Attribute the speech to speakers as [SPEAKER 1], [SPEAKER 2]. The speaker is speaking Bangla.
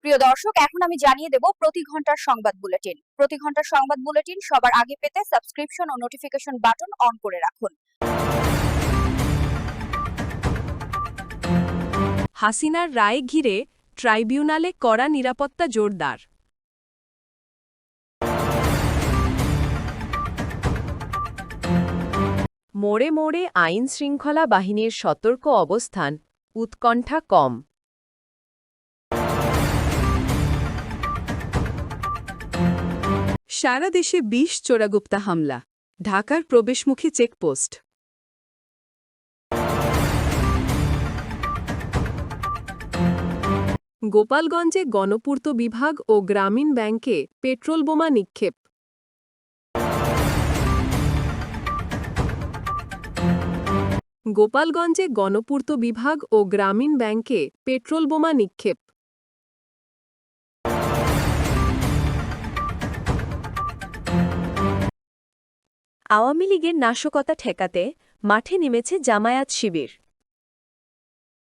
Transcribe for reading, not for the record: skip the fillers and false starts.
[SPEAKER 1] প্রিয় দর্শক, এখন আমি জানিয়ে দেব প্রতি ঘন্টার সংবাদ বুলেটিন। প্রতি ঘন্টার সংবাদ বুলেটিন সবার আগে পেতে সাবস্ক্রিপশন ও নোটিফিকেশন বাটন অন করে রাখুন।
[SPEAKER 2] হাসিনার রায় ঘিরে ট্রাইব্যুনালে কড়া নিরাপত্তা জোরদার। মোড়ে মোড়ে আইন শৃঙ্খলা বাহিনীর সতর্ক অবস্থান, উৎকণ্ঠা কম। সারা দেশে ২০ চোরাগুপ্তা হামলা, ঢাকার প্রবেশমুখী চেকপোস্ট। গোপালগঞ্জে গণপূর্ত বিভাগ ও গ্রামীণ ব্যাংকে পেট্রোল বোমা নিক্ষেপ। গোপালগঞ্জে গণপূর্ত বিভাগ ও গ্রামীণ ব্যাংকে পেট্রোল বোমা নিক্ষেপ। আওয়ামী লীগের নাশকতা ঠেকাতে মাঠে নেমেছে জামায়াত শিবির।